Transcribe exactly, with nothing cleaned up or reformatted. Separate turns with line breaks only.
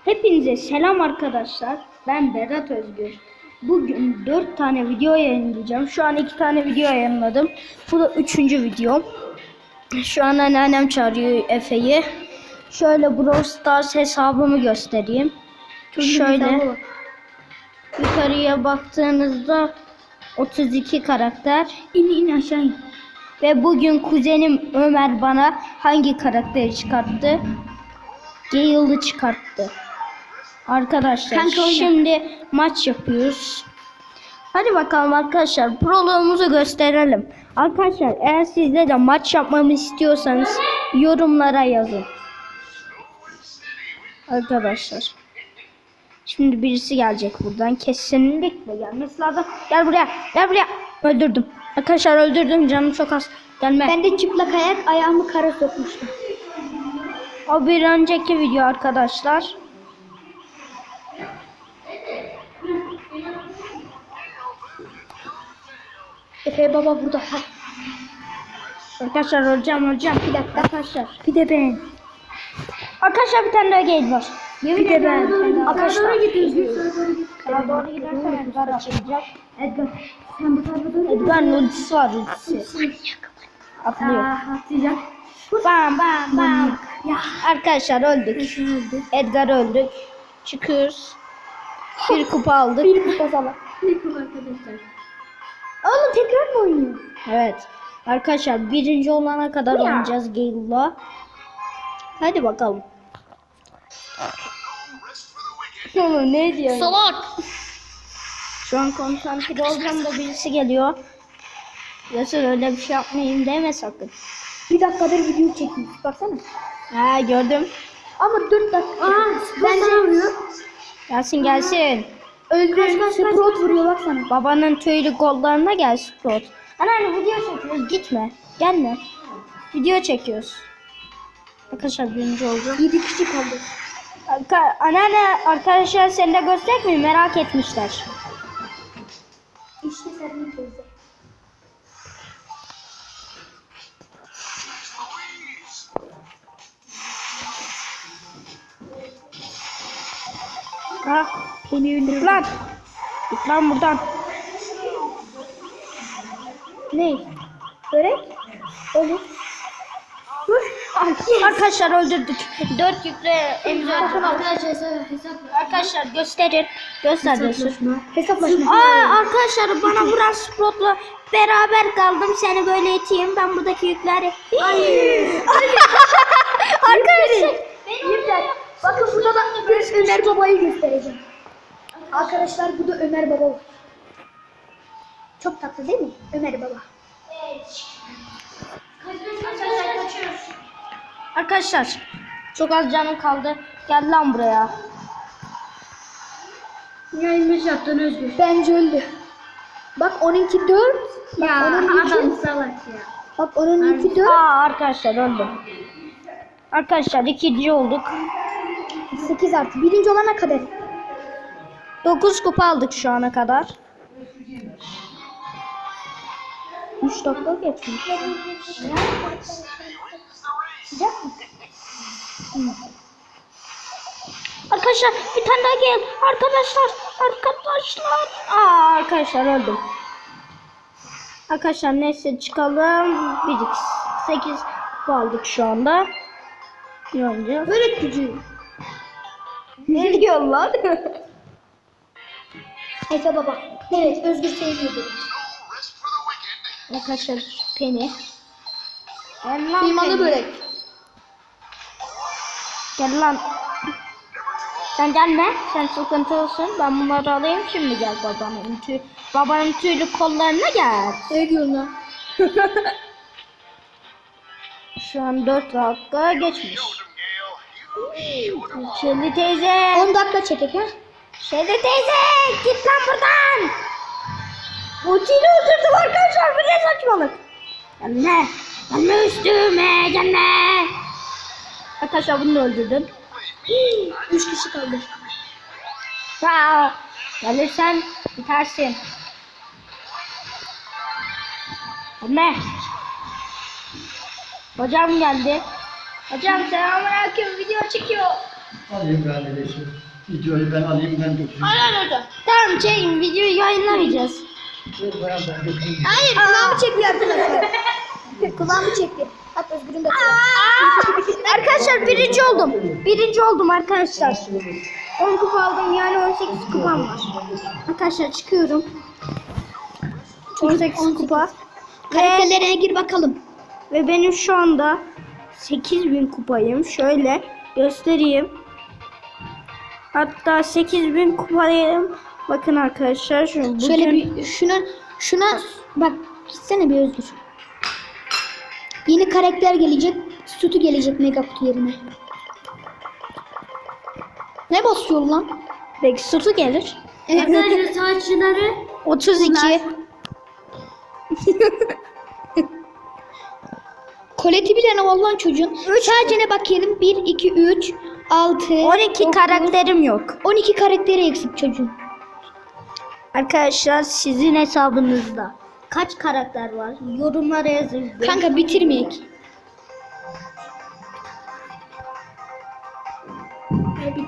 Hepinize selam arkadaşlar. Ben Berat Özgür. Bugün dört tane video yayınlayacağım. Şu an iki tane video yayınladım. Bu da üçüncü videom. Şu an anneannem çağırıyor Efe'yi. Şöyle Brawl Stars hesabımı göstereyim. Şöyle yukarıya baktığınızda otuz iki karakter. İn in aşağı in. Ve bugün kuzenim Ömer bana hangi karakteri çıkarttı? Gale'ı çıkarttı. Arkadaşlar
Kanka
şimdi maç yapıyoruz. Hadi bakalım arkadaşlar, proloğumuzu gösterelim. Arkadaşlar eğer sizde de maç yapmamı istiyorsanız yorumlara yazın. Arkadaşlar şimdi birisi gelecek buradan, kesinlikle gelmesi lazım. Gel buraya, gel buraya. Öldürdüm. Arkadaşlar öldürdüm, canım çok az. Gelme.
Ben de çıplak ayak ayağımı kara sokmuştum.
O bir önceki video arkadaşlar.
Efe baba burada. Ha.
Arkadaşlar öleceğim öleceğim.
Bir dakika.
Arkadaşlar.
Bir de ben.
Arkadaşlar bir tane daha gate var.
Bir de ben.
Arkadaşlar.
Sağa doğru gidiyorsun.
Sağa doğru gidersen Edgar atlayacak.
Edgar. Sen bu tarafa doğru gidiyorsun.
Edgar'ın ultisi var, ultisi. Atlıyor.
Aa, atlayacak.
Bam bam bam.
Ya.
Arkadaşlar öldük.
Efe öldü.
Edgar öldük. Çıkıyoruz. Bir kupa aldık.
Bir kupa salak. Bir kupa arkadaşlar. Oğlum tekrar mı oynuyor?
Evet. Arkadaşlar birinci olana kadar
Ya.
oynayacağız Gale'la. Hadi bakalım. Oğlum ne diyor?
Salak.
Şu an konsantre olacağım da birisi geliyor. Yoksa öyle bir şey yapmayayım deme sakın.
Bir dakikadır video çekmiş. Baksana.
Ha gördüm.
Ama dört dakika. Aa, bence vuruyor.
Gelsin gelsin.
Öldürüyor. Sprout vuruyor baksana.
Babanın tüylü kollarına gel Sprout. Anneanne video çekiyoruz, gitme. Gelme. Video çekiyoruz. Arkadaşlar birinci olacağım.
Yedi kişi kaldı.
Arka, anneanne arkadaşlar seni de göstereyim mi? Merak etmişler.
İşte Sermin teyze.
Ha, beni öldür lan. Git lan buradan.
Ne? Börek? Olur. Dur.
Arkadaşlar öldürdük. Dört yükle elimizi öldürdük.
Arkadaşlar hesap.
Arkadaşlar gösterin. Göster göster.
Hesaplaşma.
Aa arkadaşlar bana vuran Sprout'la beraber kaldım. Seni böyle iteyim. Ben buradaki yükleri.
Hayır.
Arkadaşlar.
Yeter. Bakın burada da bir Ömer babayı göstereceğim. Arkadaşlar bu da Ömer baba var. Çok tatlı değil mi? Ömer baba.
Arkadaşlar çok az canım kaldı. Gel lan buraya.
Yayınmış yaptın Özgür. Bence öldü. Bak onunki dört. Ya adam salak ya. Bak onunki dört.
Aa arkadaşlar öldüm. Arkadaşlar ikinci olduk.
sekiz artı. Birinci olana kadar.
dokuz kupa aldık şu ana kadar.
üç dakika geçmiş. Sıcak mı?
Arkadaşlar bir tane daha gel. Arkadaşlar. Arkadaşlar. Aa arkadaşlar öldüm. Arkadaşlar neyse çıkalım. bir x sekiz kupa aldık şu anda. Ne olacak?
Böyle gücü.
Ne diyor lan?
Efe baba. Evet Özgür seviyor beni.
Arkadaşlar Penny. Gel lan
Kıymalı
Penny.
börek.
Gel lan. Sen gelme. Sen sıkıntı olsun. Ben bunları alayım. Şimdi gel babanın tüy babanın tüylü kollarına gel.
Ne diyorsun lan?
Şu an dört dakika geçmiş. Şeli teyze.
on dakika çekek ha.
Şeli teyze. Git lan buradan. Ultiyle öldürdüm arkadaşlar. Bu ne saçmalık. Gelme. Gelme üstüme. Gelme. Arkadaşlar bunu da öldürdüm.
üç kişi kaldı.
Aa, gelirsen bitersin. Gelme. Hocam geldi. Hocam selamünaleyküm, video çekiyor.
Alayım ben de şu videoyu ben alayım ben dökeyim.
Tamam çekin, videoyu yayınlamayacağız.
Ver bana ben dökeyim.
Hayır kulağımı çekiyor arkadaşlar. kulağımı çekti. Hatta Özgür'ün de
Arkadaşlar birinci oldum. Birinci oldum arkadaşlar. on kupa aldım, yani on sekiz kupam var. Arkadaşlar çıkıyorum. on sekiz kupa. Ve,
karakterlerine gir bakalım.
ve benim şu anda sekiz bin kupayım. Şöyle göstereyim. Hatta sekiz bin kupayım. Bakın arkadaşlar. Şu, bugün...
Şöyle bir şuna şuna bak gitsene bir Özgür. Yeni karakter gelecek. Sütü gelecek mega kutu yerine. Ne basıyor lan?
Belki sütü gelir.
Arkadaşlar saçları
otuz iki.
koleti bile ne vallahi çocuğun. Sadece ne bakayım? bir, iki, üç, altı,
on iki karakterim yok.
on iki karakteri eksik çocuğun.
Arkadaşlar sizin hesabınızda kaç karakter var? Yorumlara yazın.
Kanka bitirmeyek.